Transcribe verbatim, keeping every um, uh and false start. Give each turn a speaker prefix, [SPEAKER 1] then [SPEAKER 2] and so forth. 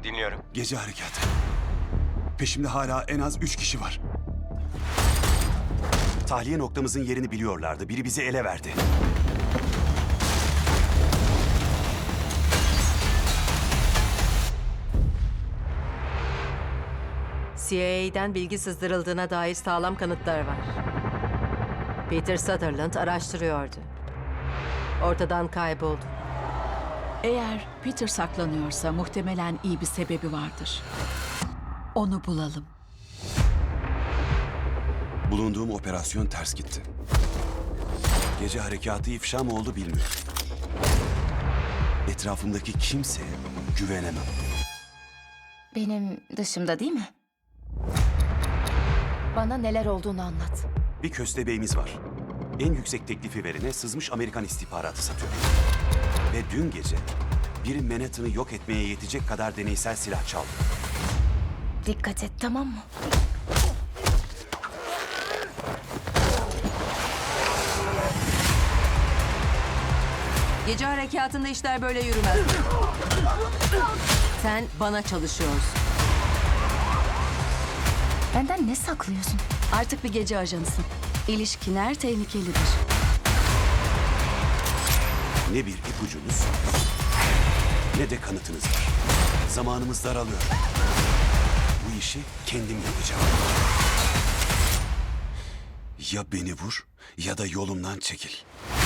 [SPEAKER 1] Dinliyorum.
[SPEAKER 2] Gece harekatı. Peşimde hala en az üç kişi var. Tahliye noktamızın yerini biliyorlardı. Biri bizi ele verdi.
[SPEAKER 3] C I A'den bilgi sızdırıldığına dair sağlam kanıtlar var. Peter Sutherland araştırıyordu. Ortadan kayboldu.
[SPEAKER 4] Eğer Peter saklanıyorsa muhtemelen iyi bir sebebi vardır. Onu bulalım.
[SPEAKER 2] Bulunduğum operasyon ters gitti. Gece harekatı ifşa mı oldu bilmiyorum. Etrafımdaki kimseye güvenemem.
[SPEAKER 5] Benim dışımda değil mi? Bana neler olduğunu anlat.
[SPEAKER 2] Bir köstebeğimiz var. En yüksek teklifi verene sızmış Amerikan istihbaratı satıyor. Ve dün gece biri Manhattan'ı yok etmeye yetecek kadar deneysel silah çaldı.
[SPEAKER 5] Dikkat et, tamam mı?
[SPEAKER 3] Gece harekatında işler böyle yürümez. Sen bana çalışıyorsun.
[SPEAKER 5] Benden ne saklıyorsun?
[SPEAKER 4] Artık bir gece ajanısın. İlişkiler tehlikelidir.
[SPEAKER 2] Ne bir ipucunuz ne de kanıtınız var. Zamanımız daralıyor. Bu işi kendim yapacağım. Ya beni vur ya da yolumdan çekil.